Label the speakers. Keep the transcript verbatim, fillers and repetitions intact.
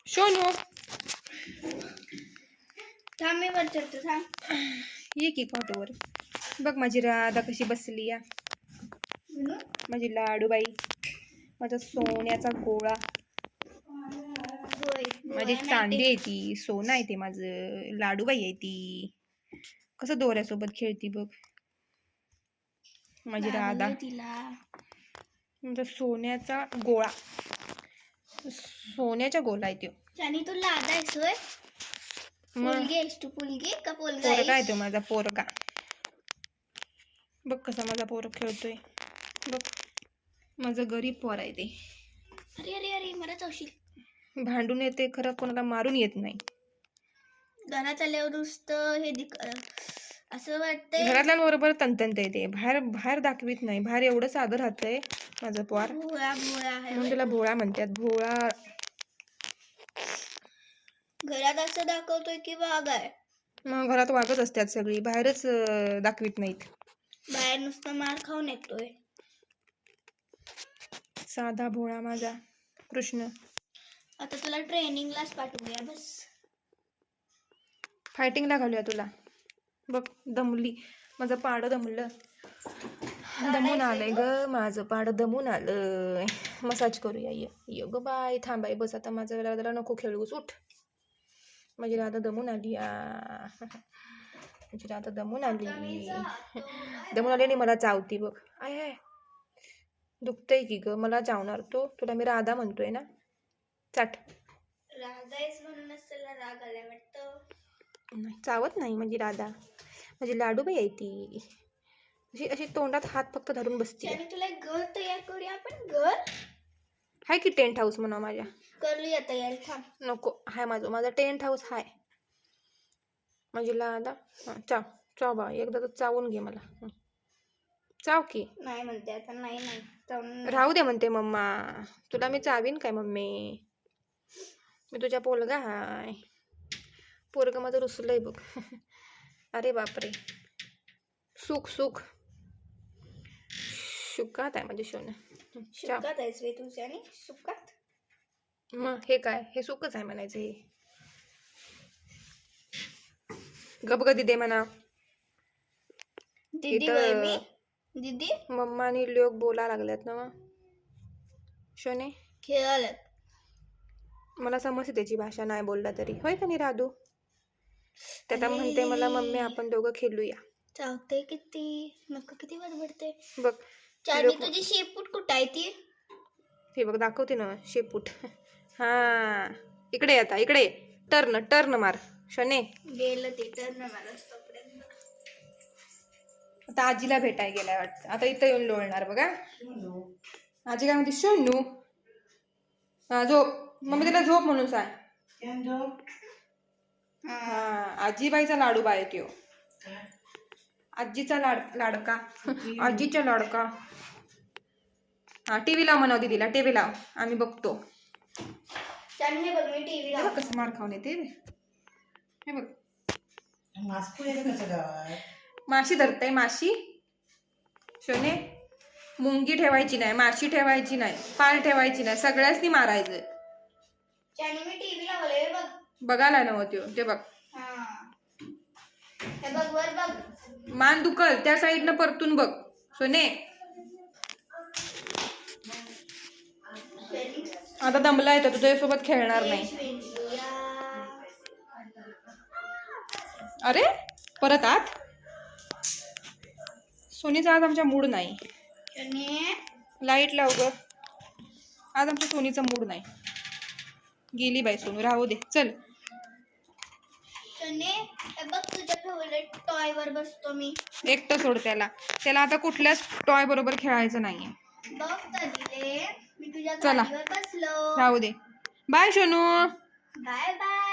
Speaker 1: सोनू
Speaker 2: थांब मी वर चढतो थांब.
Speaker 1: ये की कॉटोवर. बघ माझी राधा कशी बसली या, माझी लाडूबाई, माझा सोन्याचा गोळा, माझी चांदी आहे ती, सोनं आहे ते माझं, लाडूबाई आहे ती. कसं दोऱ्यासोबत खेळती बघ माझी राधा.
Speaker 2: तिला
Speaker 1: माझा सोन्याचा गोळा, सोन्याचा गोळा आहे तो.
Speaker 2: आणि तू लादा आहेस होय? पोलगी आहेस तू? पोलगी का पोलगा
Speaker 1: पोरगा आहे तो माझा, पोरगा. बघ कसा माझा पोर खेळतोय बघ, माझं गरीब पोर आहे ते.
Speaker 2: अरे अरे अरे मला चावशील.
Speaker 1: भांडून येते खरं, कोणाला मारून येत नाही.
Speaker 2: घरात आल्यावर नुसतं हे दिक असं वाटतंय.
Speaker 1: घरातल्यांबरोबर तंतनत येते, बाहेर बाहेर दाखवित नाही. बाहेर एवढं साधं राहतंय माझं पोर,
Speaker 2: भोळा भोळा आहे.
Speaker 1: म्हणून त्याला भोळा म्हणतात. भोळा.
Speaker 2: घरात असं दाखवतोय की वाघ आहे.
Speaker 1: मग घरात वागत असतात सगळी, बाहेरच दाखवित नाहीत.
Speaker 2: बाहेर नुसतं मार खाऊन येतोय.
Speaker 1: साधा भोळा माझा कृष्ण.
Speaker 2: आता तुला ट्रेनिंगलाच पाठवूया बस.
Speaker 1: फायटिंगला घालूया तुला. बघ दमली, माझं पाडं दमलं, दमून आलंय ग माझं पाडं, दमून आलंय. मसाज करूया. ये ये ग बाय, थांबाय बस आता. माझं राधाला नको खेळूस, उठ. माझी राधा दमून आली या, माझी राधा दमून आली, दमून आली आणि मला चावती बघ. आय आय दुखतंय की ग, मला चावणार तो. तुला मी राधा म्हणतोय ना, चाट.
Speaker 2: राधा आहेस म्हणूनच त्याला राग आलाय वाटतं.
Speaker 1: नाही, चावत नाही माझी राधा, माझी लाडूबाई आहे ती. अशी अशी तोंडात हात फक्त धरून बसते.
Speaker 2: आणि तुला एक घर तयार करूया आपण. घर
Speaker 1: हाय की टेंट हाऊस म्हणा माझ्या.
Speaker 2: करूया तयार. थांब.
Speaker 1: नको, हाय माझं माझं टेंट हाऊस हाय. माझी लादा. हां चाव चाव बा, एकदा तर चावून घे मला. चाव की.
Speaker 2: नाही म्हणते आता. नाही नाही चावून
Speaker 1: राहू दे म्हणते मम्मा. तुला मी चावीन काय मम्मी? मी तुझ्या पोलगा हाय. पोरग माझं रुसलंय बघ. अरे बापरे. सुख सुख सुखात आहे माझे सोनं.
Speaker 2: सुकात आहेस वे तुझ्या आणि सुकात.
Speaker 1: मग हे काय, हे सुखच आहे म्हणायचं. हे गबगदी दे म्हणा.
Speaker 2: दीदी वय मी दीदी.
Speaker 1: मम्मा आणि लोक बोला लागल्यात ना मग शोने.
Speaker 2: खेळायला
Speaker 1: मला समजते त्याची भाषा, नाही बोलला तरी. होय का नाही राधू? त्याला म्हणते मला मम्मी आपण दोघं खेळूया.
Speaker 2: चावते किती, नको किती बडबडते
Speaker 1: बघ.
Speaker 2: चाडी. तुझी शेपूट कुठं आहे ती?
Speaker 1: हे बघ दाखवते ना शेपूट. हा इकडे आता, इकडे टर्न टर्न मार शोने.
Speaker 2: गेलं ते टर्न मारस तोपर्यंत.
Speaker 1: आता आजीला भेटाय गेलाय वाटतं. आता इथं येऊन लोळणार बघा. आजी काय म्हणते? शोनू हा झोप. मम्मी त्याला झोप म्हणून सांग. हा आजीबाईचा लाडूबा आहे त्यो. आजीचा लाड लाडका आजीचा लाडका. हा टीव्ही लाव म्हणा दीदीला, टीव्ही लाव आम्ही बघतो.
Speaker 2: हे बघ मी टीव्ही लाव.
Speaker 1: कसं मार खाऊन येते हे बघ. माशी धरतय माशी. शोने मुंगी ठेवायची नाही, माशी ठेवायची नाही, पाल ठेवायची नाही, सगळ्यासनी मारायचं.
Speaker 2: मी टीव्ही लावलंय बघ.
Speaker 1: बघायला नव्हतं ते बघ.
Speaker 2: हे बघ वर बघ.
Speaker 1: मान दुखल त्या साईडनं परतून बघ सोने. आता दमलाय तर तुझ्यासोबत खेळणार नाही. अरे परत आत. सोनीचा आज आमच्या मूड नाही. लाईट लाव ग. आज आमच्या सोनीचा मूड नाही. गेली बाई सोनू, राहू दे चल.
Speaker 2: बघ तुझ्या फेवरेट टॉय वर बसतो मी.
Speaker 1: एकटं सोड त्याला. त्याला आता कुठल्याच टॉय बरोबर खेळायचं नाहीये.
Speaker 2: बघ तदिले मी तुझ्या
Speaker 1: चला
Speaker 2: गाडीवर बसलो.
Speaker 1: राहू दे. बाय सोनू.
Speaker 2: Bye bye.